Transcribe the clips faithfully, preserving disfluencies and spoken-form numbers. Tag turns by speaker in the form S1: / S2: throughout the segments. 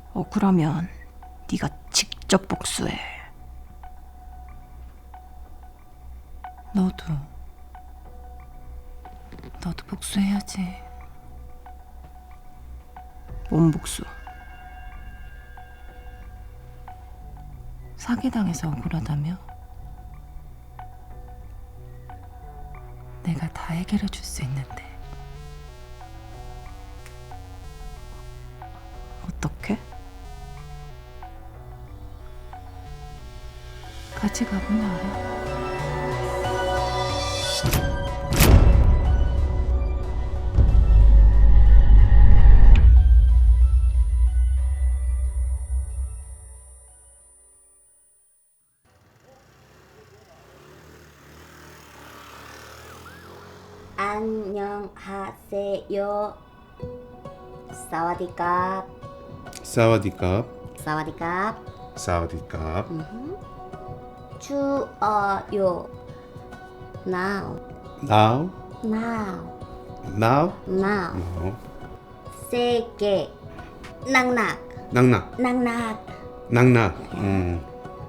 S1: 억울하면 네가 직접 복수해.
S2: 너도 너도 복수해야지.
S1: 뭔 복수?
S2: 사기당해서 억울하다며? 내가 다 해결해 줄 수 있는데.
S1: 어떻게?
S2: 같이 가보면 알아.
S3: 안녕하세요. 사와디캅.
S4: 사와디캅.
S3: 사와디캅.
S4: 사와디캅.
S3: 추워요. Now.
S4: Now.
S3: Now.
S4: Now.
S3: Now.
S4: No.
S3: 세게. 낙낙.
S4: 낙낙.
S3: 낙낙.
S4: 낙낙. 음.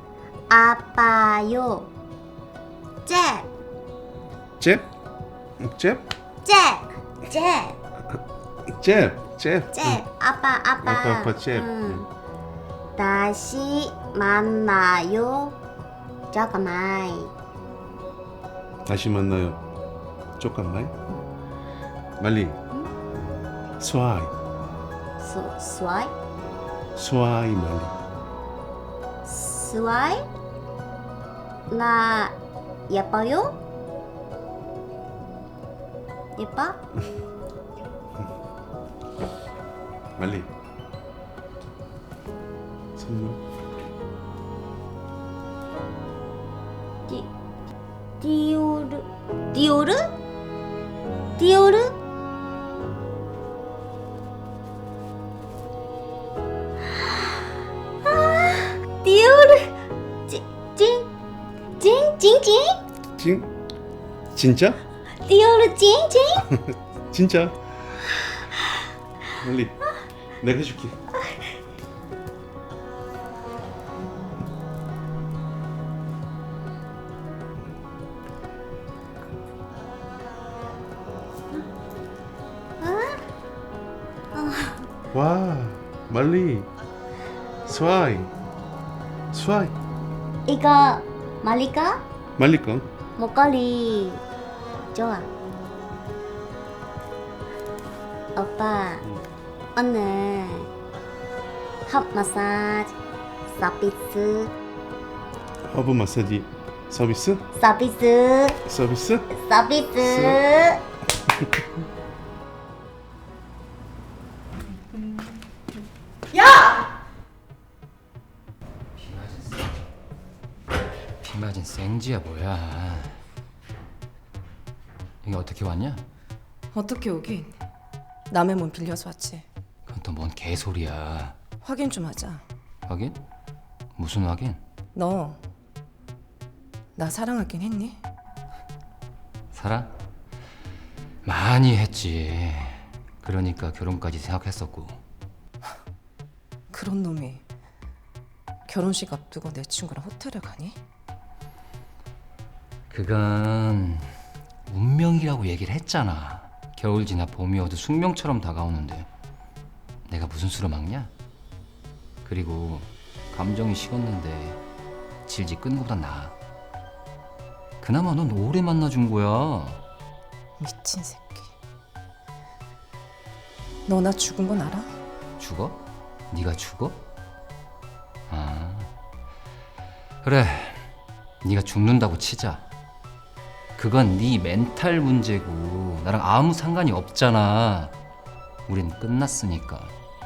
S3: 아파요. 잽.
S4: 잽? 잽?
S3: 잽. 잽.
S4: 잽. 잽.
S3: 잽. 아빠 아빠.
S4: 아빠, 아빠, 잽.
S3: 음. 다시 만나요. 잠깐만.
S4: 다시 만나요. 조금만. 말리. 스와이.
S3: 수, 스와이?
S4: 스와이 말리.
S3: 스와이? 나 예뻐요? 예뻐?
S4: 말리. 선물.
S3: 디, 디오르 디오르? 디오르? 아, 디오르 찡찡찡찡찡
S4: 진? 진짜?
S3: 디오르 찡찡
S4: 진짜? 말리. 내가 해줄게. 와, 말리. 스와이. 스와이.
S3: 이거 말리까?
S4: 말리 거.
S3: 목걸이 좋아. 오빠 오늘 핫 마사지 서비스
S4: 허브 마사지 서비스?
S3: 서비스
S4: 서비스?
S3: 서비스.
S5: 비 맞은 생지야 뭐야. 이게 어떻게 왔냐?
S2: 어떻게 오긴? 남의 몸 빌려서 왔지.
S5: 그건 또 뭔 개소리야.
S2: 확인 좀 하자.
S5: 확인? 무슨 확인?
S2: 너 나 사랑하긴 했니?
S5: 사랑? 많이 했지. 그러니까 결혼까지 생각했었고.
S2: 그런 놈이 결혼식 앞두고 내 친구랑 호텔에 가니?
S5: 그건 운명이라고 얘기를 했잖아. 겨울 지나 봄이 어두 숙명처럼 다가오는데 내가 무슨 수로 막냐? 그리고 감정이 식었는데 질질 끄는 것보단 나아. 그나마 넌 오래 만나준 거야.
S2: 미친 새끼. 너 나 죽은 건 알아?
S5: 죽어? 네가 죽어? 아 그래, 네가 죽는다고 치자. 그건 네 멘탈 문제고 나랑 아무 상관이 없잖아. 우린 끝났으니까.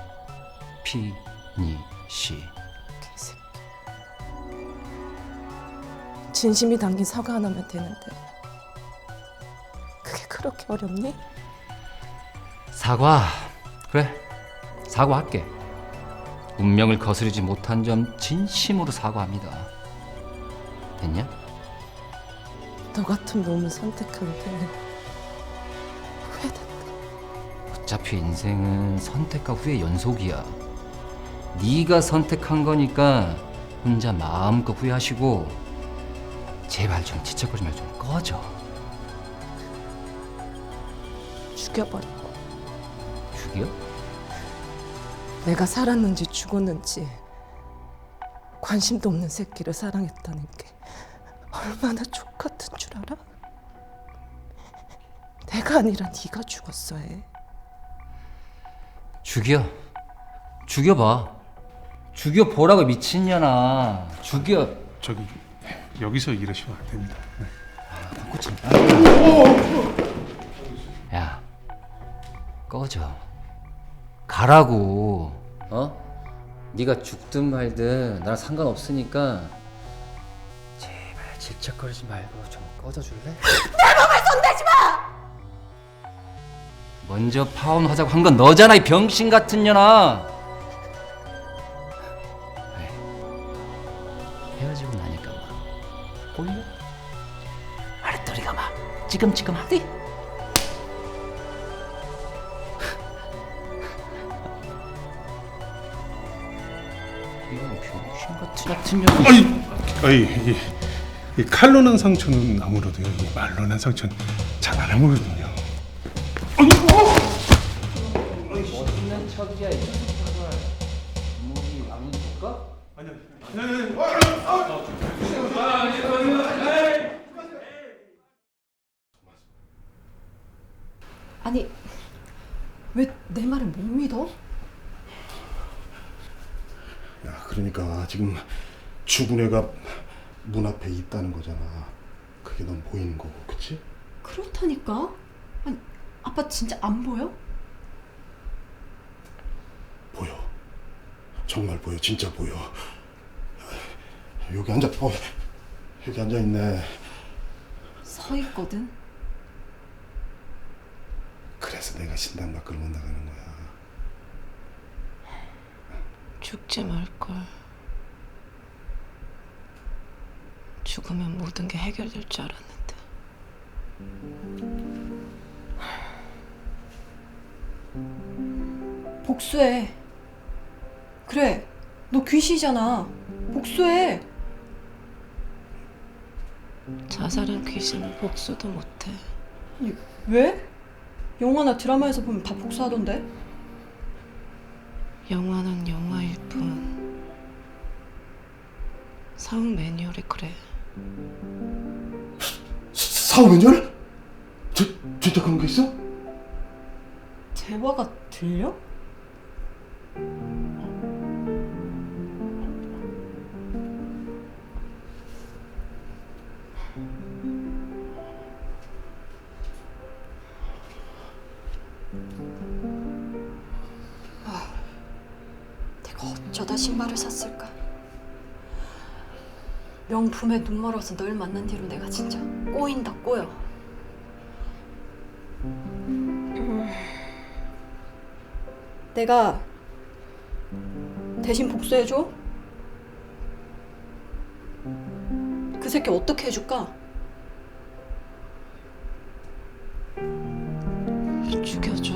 S5: 피니시.
S2: 개새끼. 진심이 담긴 사과 하나면 되는데 그게 그렇게 어렵니?
S5: 사과. 그래, 사과할게. 운명을 거스르지 못한 점 진심으로 사과합니다. 됐냐?
S2: 너 같은 놈을 선택한 게 후회된다.
S5: 어차피 인생은 선택과 후회 연속이야. 네가 선택한 거니까 혼자 마음껏 후회하시고 제발 좀 지척거리지 말고 좀 꺼져.
S2: 죽여버리고.
S5: 죽여?
S2: 내가 살았는지 죽었는지 관심도 없는 새끼를 사랑했다는 게 얼마나 족같은 줄 알아? 내가 아니라 네가 죽었어 해.
S5: 죽여. 죽여봐. 죽여보라고 미친년아. 죽여.
S4: 저기 여기서 이러시면 안 됩니다.
S5: 야, 꺼져. 가라고. 어? 네가 죽든 말든 나랑 상관없으니까 제발 질척거리지 말고 좀 꺼져줄래? 내 몸에 손대지 마! 먼저 파혼하자고 한 건 너잖아, 이 병신 같은 년아. 왜? 헤어지고 나니까 막 꼴려? 아랫도리가 막 찌금찌금하디? 이런 병신 같은 같은 년.
S4: 아이, 아이, 이, 이 칼로 난 상처는 아무래도요, 이 말로 난 상처는 잘 안 아물거든요.
S5: 멋있는 척이야 이 녀석아. 목이 안 줄까?
S1: 아니, 왜 내 말을 못 믿어?
S6: 야, 그러니까 지금 죽은 애가 문 앞에 있다는 거잖아. 그게 넌 보이는 거고, 그치?
S1: 그렇다니까? 아니, 아빠 진짜 안 보여?
S6: 보여. 정말 보여. 진짜 보여. 여기 앉아. 어, 여기 앉아 있네.
S1: 서 있거든.
S6: 그래서 내가 신당 밖으로 못 나가는 거야.
S2: 죽지 말걸. 죽으면 모든 게 해결될 줄 알았는데.
S1: 복수해. 그래, 너 귀신이잖아. 복수해.
S2: 자살한 귀신은 복수도 못해.
S1: 아니, 왜? 영화나 드라마에서 보면 다 복수하던데?
S2: 영화는 영화일 뿐. 사후 매뉴얼이 그래.
S6: 사후 매뉴얼? 저, 진짜 그런 게 있어?
S1: 대화가 들려? 아, 내가 어쩌다 신발을 샀을까? 명품에 눈 멀어서 널 만난 뒤로 내가 진짜 꼬인다 꼬여. 음. 내가 대신 복수해줘? 그 새끼 어떻게 해줄까?
S2: 죽여줘.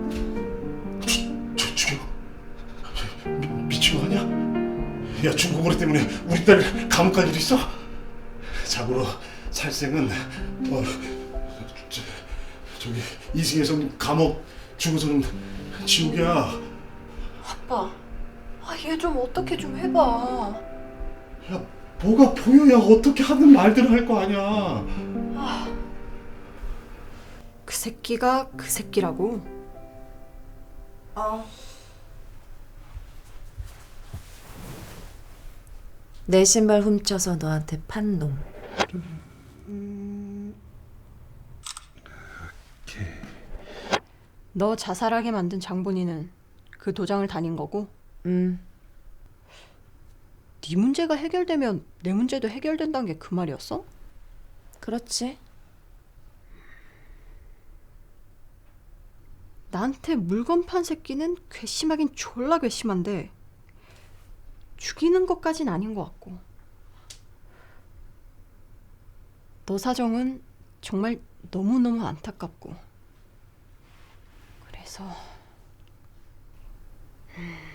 S6: 저, 죽여? 미, 미친 거 아니야? 야, 중국어리 때문에 우리 딸 감옥 갈 일 있어? 자고로 살생은 어, 저, 저기 이승에선 감옥, 죽어서는 지옥이야.
S1: 아빠, 아, 얘 좀 어떻게 좀 해봐.
S6: 야, 뭐가 보여야 어떻게 하는 말들을 할 거 아니야.
S1: 그 새끼가 그 새끼라고? 아,
S2: 내 신발 훔쳐서 너한테 판 놈.
S1: 너 자살하게 만든 장본인은 그 도장을 다닌 거고?
S2: 음.
S1: 네 문제가 해결되면 내 문제도 해결된다는 게 그 말이었어?
S2: 그렇지.
S1: 나한테 물건 판 새끼는 괘씸하긴 졸라 괘씸한데 죽이는 것까진 아닌 것 같고. 너 사정은 정말 너무너무 안타깝고. 그래서 음...